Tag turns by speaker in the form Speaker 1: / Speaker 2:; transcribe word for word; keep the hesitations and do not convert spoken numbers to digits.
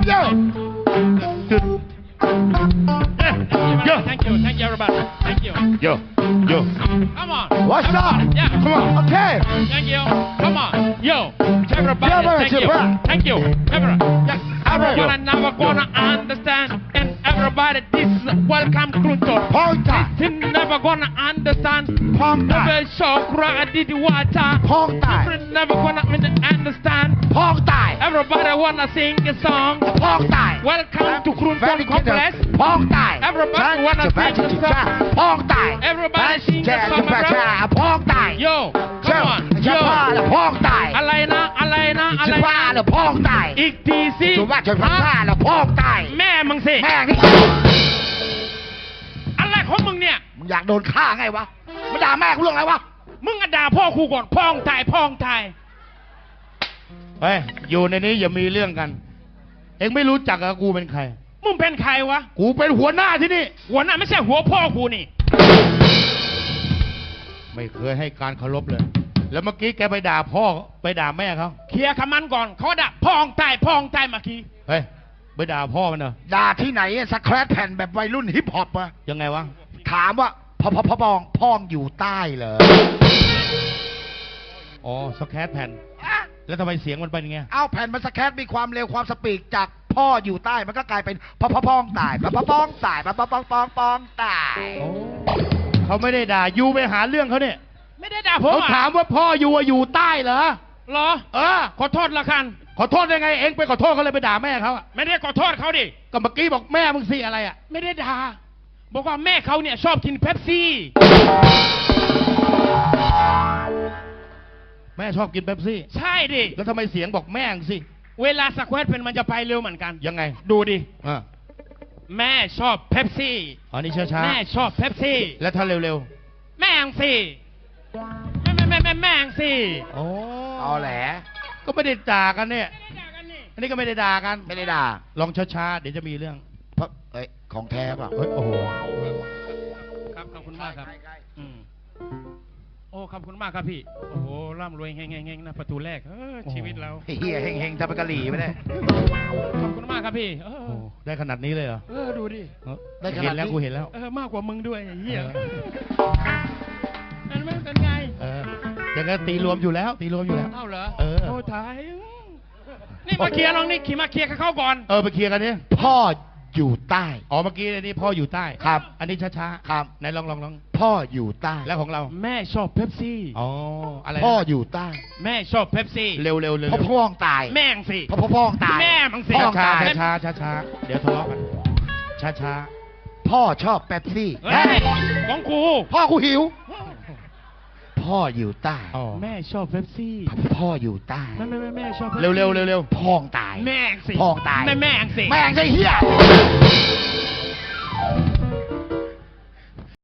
Speaker 1: love you.
Speaker 2: Yo. Thank you. Thank you, everybody. Thank you.
Speaker 3: Yo, yo.
Speaker 2: Come on.
Speaker 1: What's
Speaker 2: everybody.
Speaker 1: up?
Speaker 2: Yeah.
Speaker 1: Come on. Okay.
Speaker 2: Thank you. Come on. Yo. Everybody.
Speaker 1: Yeah,
Speaker 2: Thank you.
Speaker 1: yeah.
Speaker 2: Thank you. Everybody. Yeah. Everyone
Speaker 1: Yo.
Speaker 2: never gonna understand. And everybody, this is welcome Krunto.
Speaker 1: Ponta.
Speaker 2: This never gonna understand.
Speaker 1: Ponta.
Speaker 2: Never show cry did water.
Speaker 1: Ponta.
Speaker 2: Never gonna understand.
Speaker 1: Ponta.
Speaker 2: Everybody wanna sing a song.
Speaker 1: Ponta.
Speaker 2: Welcome to Krunton Complex.
Speaker 1: Ponta.
Speaker 2: Everybody wanna sing a song.
Speaker 1: Ponta.
Speaker 2: Everybody sing a song, my brother.
Speaker 1: Ponta.
Speaker 2: Yo, come on.
Speaker 1: จะ
Speaker 2: Yo.
Speaker 1: พาหรือพองตาย
Speaker 2: อะไรนะ อะไรนะ อะ
Speaker 1: จะ
Speaker 2: ไร
Speaker 1: พาหรื
Speaker 2: นะ
Speaker 1: อพองตาย
Speaker 2: อีกทีสิ
Speaker 1: จะว่าจะพาหรือพองตาย
Speaker 2: แม่มึงสิ
Speaker 1: แม่นี่
Speaker 2: อะไรของมึงเนี่ย
Speaker 1: มึงอยากโดนฆ่าไงวะมาด่าแม่กูเรื่องอะไรวะ
Speaker 2: มึงอะด่าพ่อครูก่อนพ่องตายพ่องตาย
Speaker 3: เฮ้ย อยู่ในนี้อย่ามีเรื่องกัน เอ็งไม่รู้จักกับกูเป็นใคร
Speaker 2: มึงเป็นใครวะ
Speaker 3: กูเป็นหัวหน้าที่นี่
Speaker 2: หัวหน้าไม่ใช่หัวพ่อครูนี่
Speaker 3: ไม่เคยให้การเคารพเลย แล้วเมื่อกี้แกไปด่าพ่อไปด่าแม่เขา
Speaker 2: เคลียร์คำมันก่อนเขาด่าพ่องตายพ่องตายเมื่อกี้
Speaker 3: เฮ้ย ไปด่าพ่อมันเหรอ
Speaker 1: ด่าที่ไหนสแครปแผ่นแบบวัยรุ่นฮิปฮอปอะ
Speaker 3: ยังไงวะ
Speaker 1: ถามว่าพอพอพอพองพองอยู่ใต้เหรอ
Speaker 3: อ๋อ สแครตแผ่น แล้วทำไมเสียงมันเป็นยังไง
Speaker 1: เอาแผ่นมันสแครปมีความเร็วความสปีดจากพ่ออยู่ใต้มันก็กลายเป็นพอพอพองตายพอพอพองตายพอพอพองปองปองตาย
Speaker 3: โอ้เขาไม่ได้ด่ายูไปหาเรื่องเขาเนี่ย
Speaker 2: ไม่ได้ด่าผม
Speaker 3: เขา
Speaker 2: อะ
Speaker 3: ถามว่าพ่อยูอะอยู่ใต้เหรอ
Speaker 2: เหรอ
Speaker 3: เออ
Speaker 2: ขอโทษละกัน
Speaker 3: ขอโทษได้ไง เอ็งไปขอโทษเขาเลยไปด่าแม่เขาอะ
Speaker 2: ไม่ได้ขอโทษเขาดิ
Speaker 3: ก็เมื่อกี้บอกแม่มึงสิอะไรอะ
Speaker 2: ไม่ได้ด่าบอกว่าแม่เขาเนี่ยชอบกินเป๊ปซี่
Speaker 3: แม่ชอบกินเป๊ปซี่
Speaker 2: ใช่ดิ
Speaker 3: แล้วทำไมเสียงบอกแม่งสิ
Speaker 2: เวลาสแควตเป็นมันจะไปเร็วเหมือนกัน
Speaker 3: ยังไง
Speaker 2: ดูดิ
Speaker 3: อ่า
Speaker 2: แม่ชอบเป๊ปซี่
Speaker 3: อ๋อนี่ช้าๆ
Speaker 2: แม่ชอบเป๊ปซี่
Speaker 3: แล้วถ้าเร็ว
Speaker 2: แม่งสิแม่แม่แม่แม่แม่งสิ
Speaker 3: ๆโอ้
Speaker 1: เอาแหละ
Speaker 3: ก็ไม่ได้ด่ากันเนี่ย
Speaker 2: ไม่ได้ด่ากันนี่
Speaker 3: อันนี้ก็ไม่ได้ด่ากัน
Speaker 1: ไม่ได้ด่า
Speaker 3: ลองช้าๆ เดี๋ยวจะมีเรื่อง
Speaker 1: เพราะเอ้ยของแท้ป่ะ
Speaker 3: เฮ้ย โอ้โห
Speaker 2: ครับขอบคุณมากครับอืมโอ้ขอบคุณมากครับพี่โอ้โหร่ำรวยเฮงเฮงเฮงนะประตูแรกเออชีวิตเรา
Speaker 1: เฮียเฮงเฮงๆทำเป็นกะหรี่ไปเลย
Speaker 2: ขอบคุณมากครับพี่เออ
Speaker 3: โอ้ได้ขนาดนี้เลยเหรอ
Speaker 2: เออดูดิ
Speaker 3: เออ
Speaker 1: ได้ขนาดนี้
Speaker 3: เห็นแล้วกูเห็นแล้ว
Speaker 2: เออมากกว่ามึงด้วยไอ้เหี้ย
Speaker 3: เออ
Speaker 2: นั่นไม่เป็นไง
Speaker 3: เออยังไงตีรวมอยู่แล้ว ตีรวมอยู่แล้ว
Speaker 2: เอ้าเหรอ
Speaker 3: เออ
Speaker 2: โอ้ตายอืมนี่มาเคลียร์ลองนี่ขี่มาเคลียร์กับเขาก่อน
Speaker 3: เออไปเคลียร์กันดิ
Speaker 1: พ่ออยู่ใต้
Speaker 3: อ๋อเมื่อกี้อันนี้พ่ออยู่ใต้
Speaker 1: ครับ
Speaker 3: อันนี้ช้าๆ
Speaker 1: ครับ
Speaker 3: ไหนลองลองลอง
Speaker 1: พ่ออยู่ใต้
Speaker 3: แล้วของเรา
Speaker 2: แม่ชอบเป๊ปซี่
Speaker 3: อ๋อ อะไรนะ
Speaker 1: พ่ออยู่ใต้
Speaker 2: แม่ชอบเป๊ปซี่
Speaker 3: เร็วเร็วเร็ว
Speaker 1: พ่อพ่องตาย
Speaker 2: แม่งสิ
Speaker 1: พ่อพ่อพ่องตาย
Speaker 2: แม่มึงสิ
Speaker 1: พ่อ
Speaker 3: ช้า
Speaker 1: ตาย
Speaker 3: ช้าช้าช้าช้าๆเดี๋ยวทะเลาะกัน ช้าช้า
Speaker 1: พ่อชอบเป๊ปซี่
Speaker 2: เฮ้ยของกู
Speaker 1: พ่อกูหิว พ่ออยู่ใต้
Speaker 3: ๆอ๋อ
Speaker 2: แม่ชอบเป๊ปซี่
Speaker 1: พ่ออยู่ใต้
Speaker 2: แม่แม่แม่แม่ชอบ
Speaker 3: เร็วเร็วเร็วเร็ว
Speaker 1: พ่องตาย
Speaker 2: แม่งสิ
Speaker 1: พ่องตาย
Speaker 2: แม่แม่งสิ
Speaker 1: แม่งไอ้เหี้ย